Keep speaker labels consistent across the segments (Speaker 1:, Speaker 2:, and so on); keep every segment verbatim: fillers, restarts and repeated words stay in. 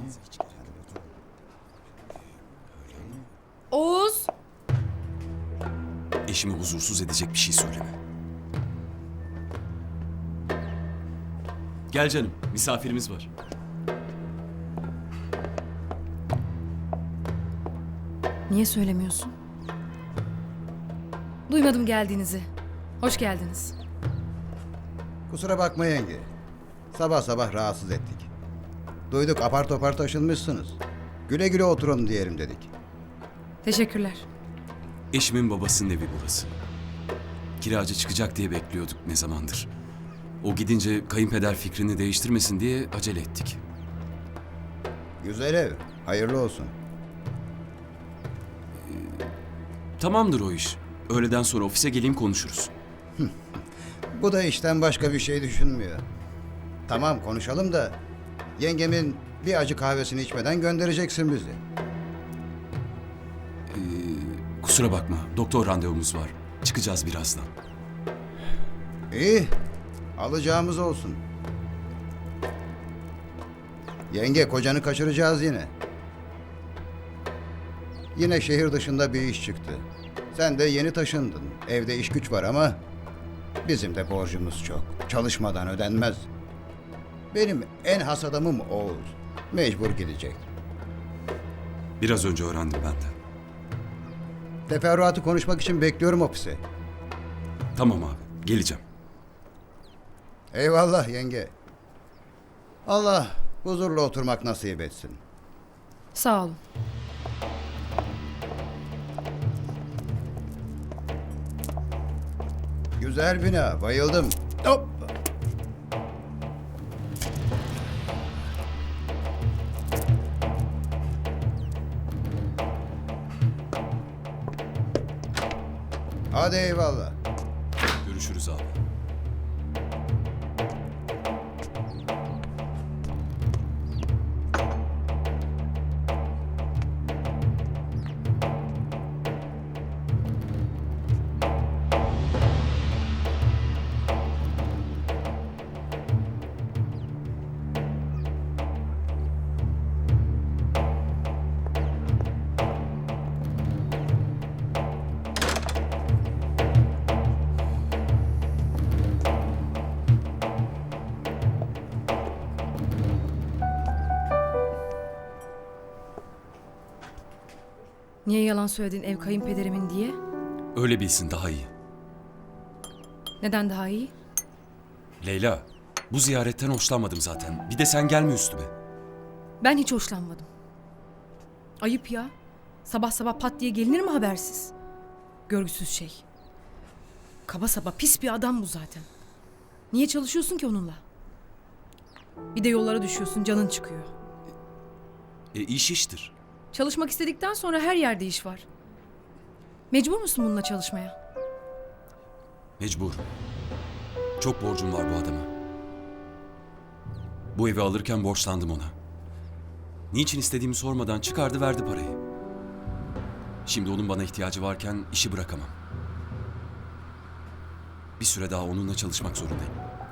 Speaker 1: Oğuz!
Speaker 2: Eşimi huzursuz edecek bir şey söyleme. Gel canım, misafirimiz var.
Speaker 1: Niye söylemiyorsun? Duymadım geldiğinizi. Hoş geldiniz.
Speaker 3: Kusura bakma yenge. Sabah sabah rahatsız ettik. Duyduk apar topar taşınmışsınız. Güle güle oturun diyelim dedik.
Speaker 1: Teşekkürler.
Speaker 2: Eşimin babasının evi burası. Kiracı çıkacak diye bekliyorduk ne zamandır. O gidince kayınpeder fikrini değiştirmesin diye acele ettik.
Speaker 3: Güzel ev. Hayırlı olsun.
Speaker 2: Tamamdır o iş. Öğleden sonra ofise geleyim konuşuruz.
Speaker 3: Bu da işten başka bir şey düşünmüyor. Tamam konuşalım da yengemin bir acı kahvesini içmeden göndereceksin bizi.
Speaker 2: Kusura bakma, doktor randevumuz var. Çıkacağız birazdan.
Speaker 3: İyi. Alacağımız olsun. Yenge kocanı kaçıracağız yine. Yine şehir dışında bir iş çıktı. Sen de yeni taşındın. Evde iş güç var ama bizim de borcumuz çok. Çalışmadan ödenmez. Benim en has adamım Oğuz. Mecbur gidecek.
Speaker 2: Biraz önce öğrendim ben de.
Speaker 3: Teferruatı konuşmak için bekliyorum ofise.
Speaker 2: Tamam abi, geleceğim.
Speaker 3: Eyvallah yenge. Allah huzurla oturmak nasip etsin.
Speaker 1: Sağ olun.
Speaker 3: Güzel bina, bayıldım. Hop! Hadi eyvallah.
Speaker 2: Görüşürüz abi.
Speaker 1: Niye yalan söyledin ev kayınpederimin diye?
Speaker 2: Öyle bilsin daha iyi.
Speaker 1: Neden daha iyi?
Speaker 2: Leyla, bu ziyaretten hoşlanmadım zaten. Bir de sen gelme üstüme.
Speaker 1: Ben hiç hoşlanmadım. Ayıp ya. Sabah sabah pat diye gelinir mi habersiz? Görgüsüz şey. Kaba saba pis bir adam bu zaten. Niye çalışıyorsun ki onunla? Bir de yollara düşüyorsun, canın çıkıyor.
Speaker 2: E iş iştir.
Speaker 1: Çalışmak istedikten sonra her yerde iş var. Mecbur musun bununla çalışmaya?
Speaker 2: Mecburum. Çok borcum var bu adama. Bu evi alırken borçlandım ona. Niçin istediğimi sormadan çıkardı verdi parayı. Şimdi onun bana ihtiyacı varken işi bırakamam. Bir süre daha onunla çalışmak zorundayım.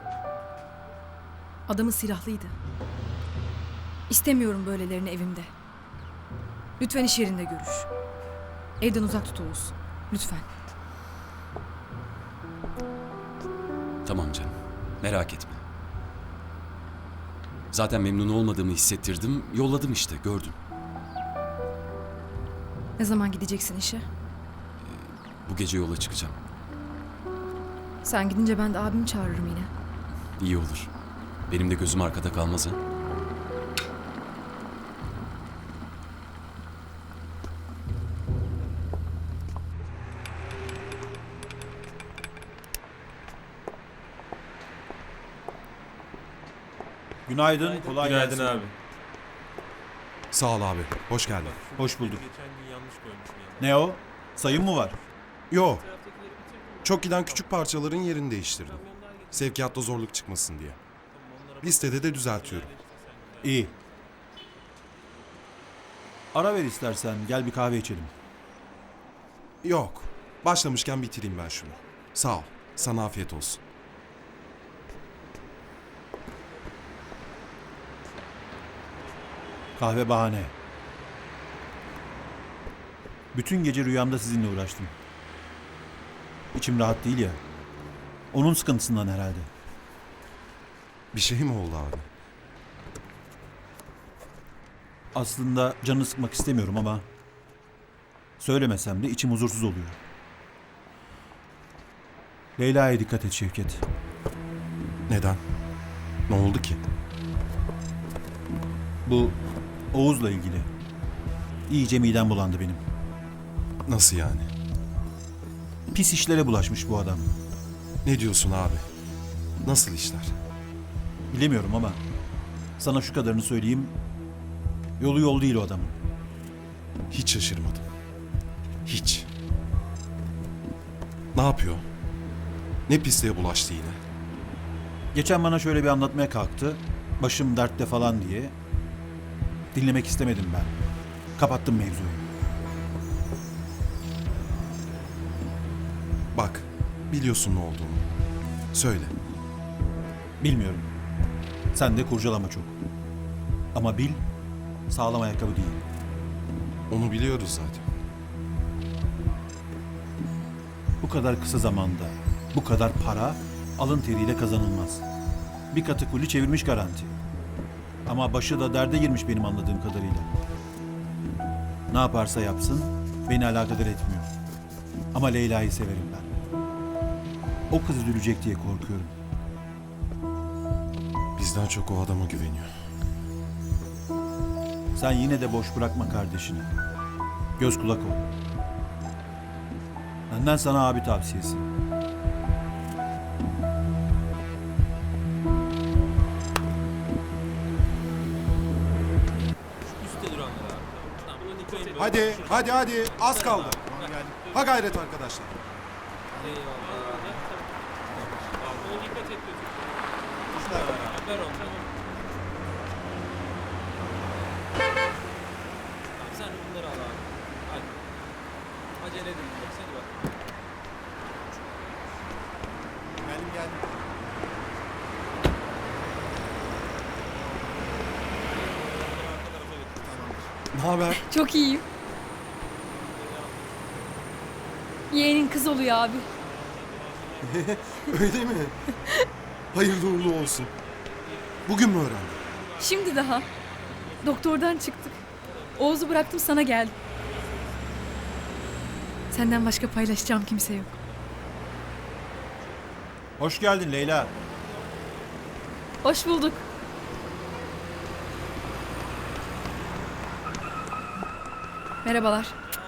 Speaker 1: Adamı silahlıydı. İstemiyorum böylelerini evimde. Lütfen iş yerinde görüş. Evden uzak tut Oğuz. Lütfen.
Speaker 2: Tamam canım. Merak etme. Zaten memnun olmadığımı hissettirdim. Yolladım işte gördün.
Speaker 1: Ne zaman gideceksin işe?
Speaker 2: Bu gece yola çıkacağım.
Speaker 1: Sen gidince ben de abimi çağırırım yine.
Speaker 2: İyi olur. Benim de gözüm arkada kalmaz ha.
Speaker 4: Günaydın, kolay
Speaker 5: Günaydın
Speaker 4: gelsin.
Speaker 5: abi.
Speaker 6: Sağ ol abi. Hoş geldin.
Speaker 4: Hoş bulduk.
Speaker 5: Geçen gün yanlış koymuşum yani.
Speaker 4: Ne o? Sayım mı var?
Speaker 6: Yo. Çok giden küçük parçaların yerini değiştirdim. Sevkiyatta zorluk çıkmasın diye. Listede de düzeltiyorum.
Speaker 4: İyi. Ara ver istersen, gel bir kahve içelim.
Speaker 6: Yok. Başlamışken bitireyim ben şunu. Sağ ol. Sana afiyet olsun.
Speaker 4: Kahve bahane. Bütün gece rüyamda sizinle uğraştım. İçim rahat değil ya. Onun sıkıntısından herhalde.
Speaker 6: Bir şey mi oldu abi?
Speaker 4: Aslında canını sıkmak istemiyorum ama söylemesem de içim huzursuz oluyor. Leyla'ya dikkat et Şevket.
Speaker 6: Neden? Ne oldu ki?
Speaker 4: Bu Oğuz'la ilgili. İyice midem bulandı benim.
Speaker 6: Nasıl yani?
Speaker 4: Pis işlere bulaşmış bu adam.
Speaker 6: Ne diyorsun abi? Nasıl işler?
Speaker 4: Bilemiyorum ama sana şu kadarını söyleyeyim. Yolu yol değil o adamın.
Speaker 6: Hiç şaşırmadım. Hiç. Ne yapıyor? Ne pisliğe bulaştı yine?
Speaker 4: Geçen bana şöyle bir anlatmaya kalktı. Başım dertte falan diye. Dinlemek istemedim ben. Kapattım mevzuyu.
Speaker 6: Bak, biliyorsun ne olduğunu. Söyle.
Speaker 4: Bilmiyorum. Sen de kurcalama çok. Ama bil, sağlam ayakkabı değil.
Speaker 6: Onu biliyoruz zaten.
Speaker 4: Bu kadar kısa zamanda, bu kadar para alın teriyle kazanılmaz. Bir katı kuli çevirmiş garanti. Ama başı da derde girmiş benim anladığım kadarıyla. Ne yaparsa yapsın beni alakadar etmiyor. Ama Leyla'yı severim ben. O kız üzülecek diye korkuyorum.
Speaker 6: Bizden çok o adama güveniyor.
Speaker 4: Sen yine de boş bırakma kardeşini. Göz kulak ol. Benden sana abi tavsiyesi.
Speaker 6: Hadi, hadi, hadi. Az kaldı. Ha gayret arkadaşlar.
Speaker 5: Sen bunları al abi. Hadi. Acele edin. Hadi bak.
Speaker 6: Geldim geldim. Ne haber?
Speaker 7: Çok iyiyim. Yeğenin kız oluyor abi.
Speaker 6: Öyle mi? Hayırlı uğurlu olsun. Bugün mü öğrendin?
Speaker 7: Şimdi daha. Doktordan çıktık. Oğuz'u bıraktım sana geldim. Senden başka paylaşacağım kimse yok.
Speaker 4: Hoş geldin Leyla.
Speaker 7: Hoş bulduk. Merhabalar.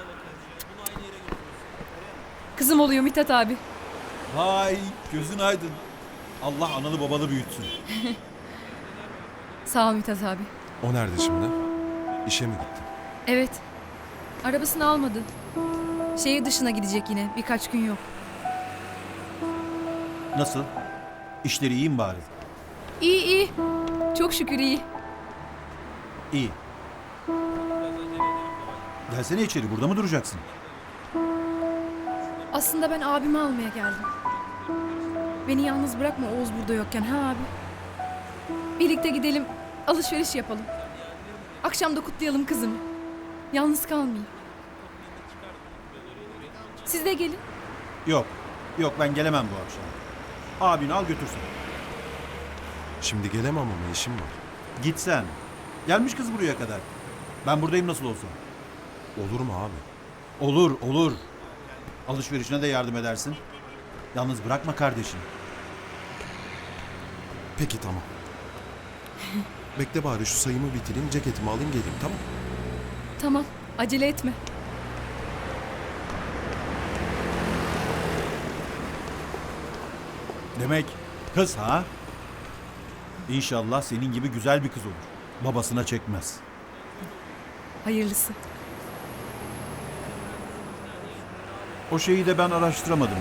Speaker 7: Kızım oluyor Mithat abi.
Speaker 4: Vay gözün aydın. Allah analı babalı büyütsün.
Speaker 7: Sağ ol Mithat abi.
Speaker 6: O nerede şimdi? İşe mi gitti?
Speaker 7: Evet. Arabasını almadı. Şehir dışına gidecek yine. Birkaç gün yok.
Speaker 4: Nasıl? İşleri iyi mi bari?
Speaker 7: İyi iyi. Çok şükür iyi.
Speaker 4: İyi. Gelsene içeri, burada mı duracaksın?
Speaker 7: Aslında ben abimi almaya geldim. Beni yalnız bırakma Oğuz burada yokken ha abi. Birlikte gidelim, alışveriş yapalım. Akşam da kutlayalım kızımı. Yalnız kalmayayım. Siz de gelin.
Speaker 4: Yok, yok ben gelemem bu akşam. Abini al götürsün.
Speaker 6: Şimdi gelemem ama işim var.
Speaker 4: Git sen. Gelmiş kız buraya kadar. Ben buradayım nasıl olsa.
Speaker 6: Olur mu abi?
Speaker 4: Olur, olur. Alışverişine de yardım edersin. Yalnız bırakma kardeşini.
Speaker 6: Peki tamam. Bekle bari şu sayımı bitireyim, ceketimi alayım geleyim tamam.
Speaker 7: Tamam, acele etme.
Speaker 4: Demek kız ha? İnşallah senin gibi güzel bir kız olur. Babasına çekmez.
Speaker 7: Hayırlısı.
Speaker 4: O şeyi de ben araştıramadım.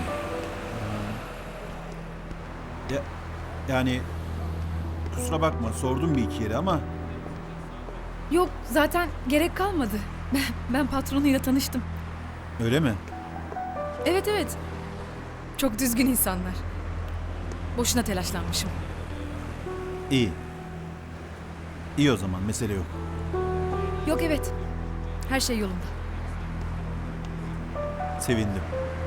Speaker 4: Ya, yani kusura bakma sordum bir iki yere ama
Speaker 7: Yok, zaten gerek kalmadı. Ben, ben patronuyla tanıştım.
Speaker 4: öyle mi?
Speaker 7: Evet evet. Çok düzgün insanlar. Boşuna telaşlanmışım.
Speaker 4: İyi. İyi o zaman mesele yok.
Speaker 7: Yok evet. Her şey yolunda.
Speaker 4: Sevindim.